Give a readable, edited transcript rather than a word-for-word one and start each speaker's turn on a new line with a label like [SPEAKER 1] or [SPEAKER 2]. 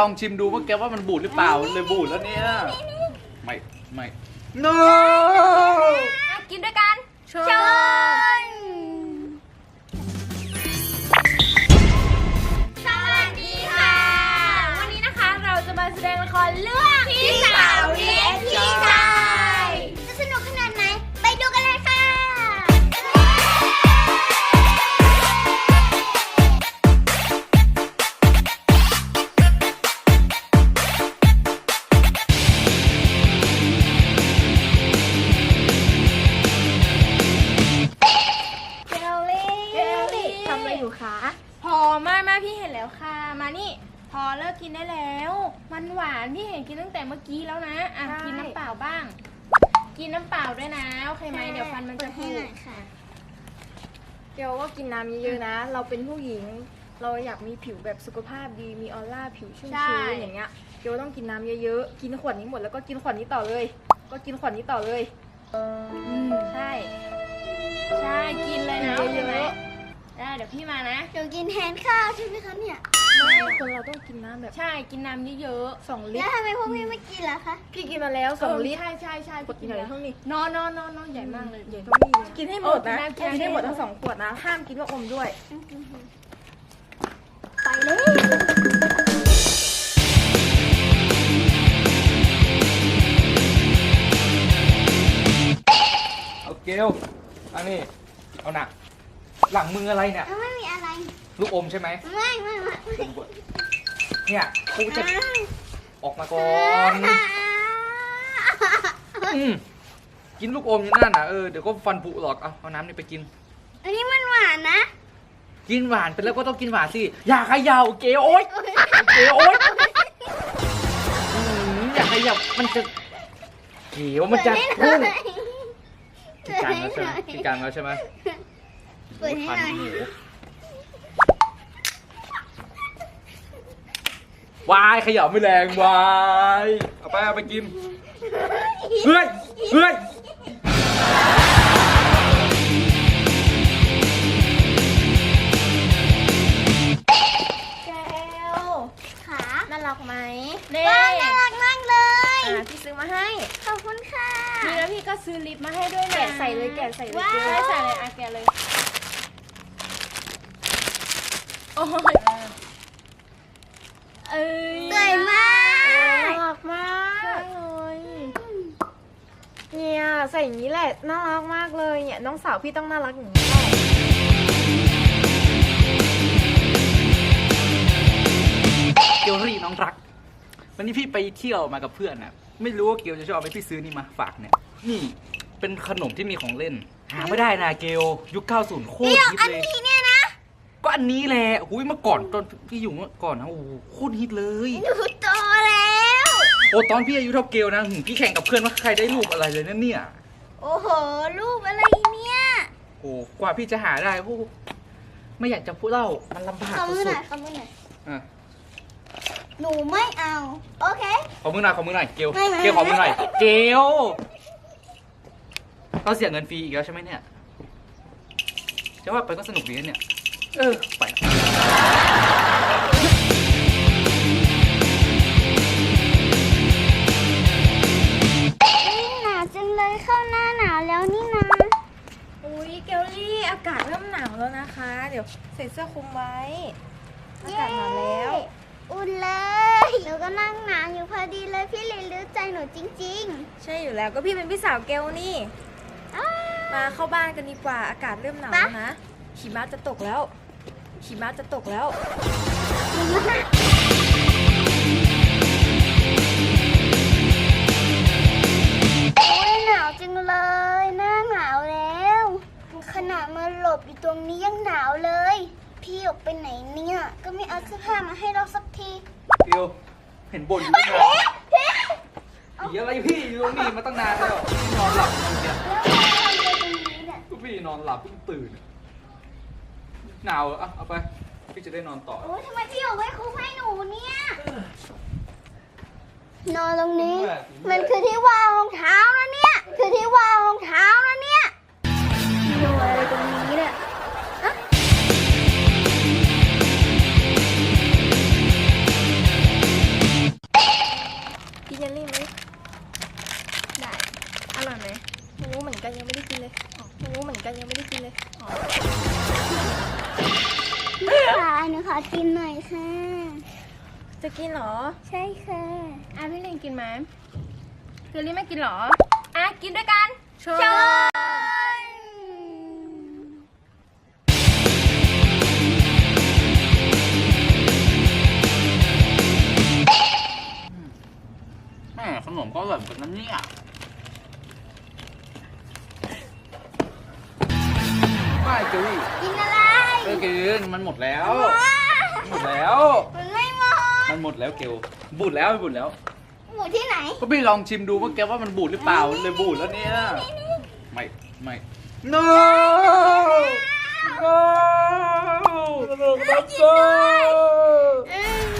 [SPEAKER 1] องชิมดูว่าแกว่ามันบูดหรือเปล่าเลยบูดแล้วเนี่ยไม่ no
[SPEAKER 2] กินด้วยกันเชิญสวัสดีค่ะ วันนี้นะคะเราจะมาแสดงละครเรื่องพี่สาวเรียกพี่ชายจะสนุกขนาดไหนไปดูกันเลยค่ะพอมาพี่เห็นแล้วค่ะมานี่พอเลิกกินได้แล้วมันหวานพี่เห็นกินตั้งแต่เมื่อกี้แล้วนะอ่ะกินน้ำเปล่าบ้างกินน้ำเปล่าด้วยนะโอเคไหมเดี๋ยวฟันมันจะผุ
[SPEAKER 3] เกียวว่ากินน้ำเยอะๆนะ เราเป็นผู้หญิงเราอยากมีผิวแบบสุขภาพดีมีออร่าผิวชุ่มชื้นอย่างเงี้ยเกียวต้องกินน้ำเยอะๆกินขวดนี้หมดแล้วก็กินขวดนี้ต่อเลยก็กินขวดนี้ต่อเลย
[SPEAKER 2] ใช่กินเลยนะใช่ไหมได้เดี๋ยวพี่มานะ
[SPEAKER 4] เดี๋ยวกินแทนข้าวใช่ไหมคะเนี่ย
[SPEAKER 3] ไม่คนเราต้องกินน้ำแบบ
[SPEAKER 2] ใช่กินน้ำเยอะ
[SPEAKER 3] ๆ2 ลิตร
[SPEAKER 4] แล้วทำไมพวกพี่ไม่กินล่ะคะ
[SPEAKER 3] พี่กินมาแล้ว2 ลิตร
[SPEAKER 2] ใช่
[SPEAKER 3] กดกินอะไรเท่านี้
[SPEAKER 2] นอนใหญ่มากเลย
[SPEAKER 3] ใหญ่เท่านี้กินให้หมดนะกินให้หมดทั้ง2 ขวดนะห้ามกินว่าอมด้วย
[SPEAKER 4] ไปเลย
[SPEAKER 1] เอาเกลอันนี้เอาหนักหลังมืออะไรเนี่ย
[SPEAKER 4] ไม่มีอะไร
[SPEAKER 1] ลูกอมใช่ไหม
[SPEAKER 4] ไม่
[SPEAKER 1] เนี่ยกูจะออกมาก่อน กินลูกอมอยู่นั่นน่ะเดี๋ยวก็ฟันผุหรอกเอาน้ำนี่ไปกิน
[SPEAKER 4] อันนี้มันหวานนะ
[SPEAKER 1] กินหวานไปแล้วก็ต้องกินหวานสิอย่าเขย่าเกลโอ๊ยเกลโอ๊ยอย่าเขย่ามันจะเกลมันจะพุ่งกินกันแล้วใช่ไหมกินกันแล้วใช่ไหม
[SPEAKER 4] เปิดให้หน่อ
[SPEAKER 1] ยวายขยับไม่แรงวายเอาไปกินเฮ้ย
[SPEAKER 2] แก้ว
[SPEAKER 4] ขา
[SPEAKER 2] น่ารักไหม
[SPEAKER 4] น่ารักมากเลย
[SPEAKER 2] พี่ซื้อมาให้
[SPEAKER 4] ขอบคุณค่ะ
[SPEAKER 2] นี่แล้วพี่ก็ซื้อลิปมาให้ด้วยนะ
[SPEAKER 3] แกะใส่เลยแกะใส่เลย
[SPEAKER 2] ใส่เลยแกะเลยโอ้ย
[SPEAKER 4] สวยมาก
[SPEAKER 3] น่ารักมากเลยเนี่ยใส่อย่างนี้แหละน่ารักมากเลยเนี่ยน้องสาวพี่ต้องน่ารักอย่างนี้แหละ
[SPEAKER 1] เกลลี่น้องรักวันนี้พี่ไปเที่ยวมากับเพื่อนนะไม่รู้ว่าเกลจะชอบไหมพี่ซื้อนี่มาฝากเนี่ยนี่เป็นขนมที่มีของเล่นหาไม่ได้นะเกลยุค 90 โคตรฮิตเลย
[SPEAKER 4] อันนี้เนี่ยนะ
[SPEAKER 1] ก็อันนี้แหละหุ้ยเมื่อก่อนตอนพี่อยู่เมื่อก่อนนะโอ้โหโคตรฮิตเลย
[SPEAKER 4] หนูโตแล้ว
[SPEAKER 1] โอ้ตอนพี่อายุเท่าเกลนะพี่แข่งกับเพื่อนว่าใครได้รูปอะไรเลยนั่นเนี่ย
[SPEAKER 4] โอ้โหรูปอะไรเนี่ย
[SPEAKER 1] โอ้กว่าพี่จะหาได้พวกไม่อยากจะพูดเล่ามันลำบากสุด
[SPEAKER 4] ขอมือหน่อยหนูไม่เอาโอเค
[SPEAKER 1] ขอมือหน่อยเกลขอมือหน่อยเกลเราเสียเงินฟรีอีกแล้วใช่ไหมเนี่ยจะว่าไปก็สนุกดีนะเนี่ยไป
[SPEAKER 4] หนาวจังเลยเข้าหน้าหนาวแล้วนี่นะ
[SPEAKER 3] อุ้ยเกลลี่อากาศเริ่มหนาวแล้วนะคะเดี๋ยวใส่เสื้อคลุมไว้อากาศหนาวแล้ว
[SPEAKER 4] อุ่นเลยหนูก็นั่งหนาวอยู่พอดีเลยพี่เลยรู้ใจหนูจริง
[SPEAKER 3] ๆใช่อยู่แล้วก็พี่เป็นพี่สาวเกลนี่มาเข้าบ้านกันดีกว่าอากาศเริ่มหนาวแล้วนะหิมะจะตกแล้ว
[SPEAKER 4] โอ้ยหนาวจังเลยหน้าหนาวแล้วขนาดมาหลบอยู่ตรงนี้ยังหนาวเลยพี่ออกไปไหนเนี่ยก็ไม่เอาเสื้อผ้ามาให้เราสักที
[SPEAKER 1] เดี๋ยวเห็นบ่นอยู่ตั้งนานผีอะไรพี่อยู่ตรงนี้มาตั้งนานแล้วนอนหลับอยู่เนี่ยพี่นอนหลับเพิ่งตื่นหนาวเอาไปพี่จะได้นอนต่อ
[SPEAKER 4] โอ้ยทำไมพี่เอาไว้คุมให้หนูเนี่ยนอนตรงนี้มันคือที่วางรองเท้านะเนี่ยคือที่วางรองเท้านะเนี่ยนอนอะไรตรงนี้เนี่ย
[SPEAKER 1] เ
[SPEAKER 3] กันยังไม่ได้กินเลย
[SPEAKER 4] ค่ะหนูขอกินหน่อยค่ะ
[SPEAKER 3] จะกินเหรอ
[SPEAKER 4] ใช่ค่ะ
[SPEAKER 2] อ่ะพี่ลิงกินไหมเกลลี่ไม่กินเหรอ อ่ะกินด้วยกัน
[SPEAKER 3] ชอบ
[SPEAKER 1] แม่ขนมก็อร่อยเหมือนกันนะเนี่ยไม่เกลี่
[SPEAKER 4] กินอะไร
[SPEAKER 1] กินมันหมดแล้ว หมดแล้ว
[SPEAKER 4] มันไม่หมด
[SPEAKER 1] มันหมดแล้วเกลบูดแล้วบูดแล้ว
[SPEAKER 4] หมูที่ไหน
[SPEAKER 1] ก็พี่ลองชิมดูว่าแกว่ามันบูดหรือเปล่ามันเลยบูดแล้วเนี่ยไม่ no no no no